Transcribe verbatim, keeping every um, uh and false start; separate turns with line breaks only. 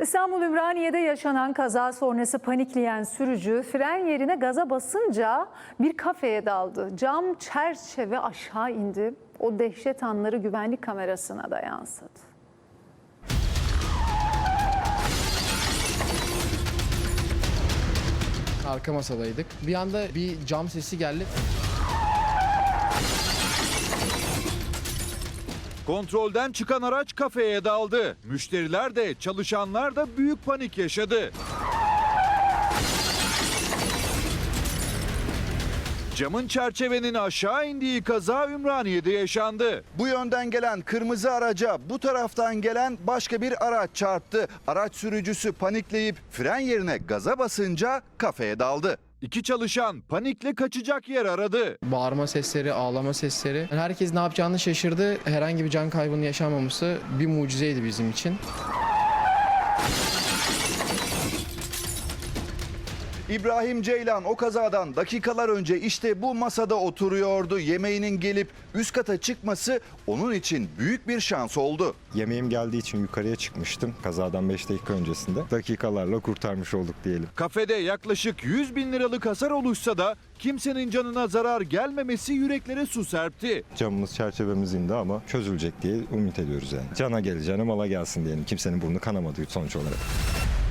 İstanbul Ümraniye'de yaşanan kaza sonrası panikleyen sürücü fren yerine gaza basınca bir kafeye daldı. Cam çerçeve aşağı indi. O dehşet anları güvenlik kamerasına da yansıdı.
Arka masadaydık. Bir anda bir cam sesi geldi.
Kontrolden çıkan araç kafeye daldı. Müşteriler de çalışanlar da büyük panik yaşadı. Camın çerçevenin aşağı indiği kaza Ümraniye'de yaşandı.
Bu yönden gelen kırmızı araca bu taraftan gelen başka bir araç çarptı. Araç sürücüsü panikleyip fren yerine gaza basınca kafeye daldı.
İki çalışan panikle kaçacak yer aradı.
Bağırma sesleri, ağlama sesleri. Yani herkes ne yapacağını şaşırdı. Herhangi bir can kaybının yaşanmaması bir mucizeydi bizim için.
İbrahim Ceylan o kazadan dakikalar önce işte bu masada oturuyordu. Yemeğinin gelip üst kata çıkması onun için büyük bir şans oldu.
Yemeğim geldiği için yukarıya çıkmıştım. Kazadan beş dakika öncesinde. Dakikalarla kurtarmış olduk diyelim.
Kafede yaklaşık yüz bin liralık hasar oluşsa da kimsenin canına zarar gelmemesi yüreklere su serpti.
Camımız, çerçevemiz indi ama çözülecek diye umut ediyoruz yani. Cana geleceğine mala gelsin diyelim. Kimsenin burnu kanamadı sonuç olarak.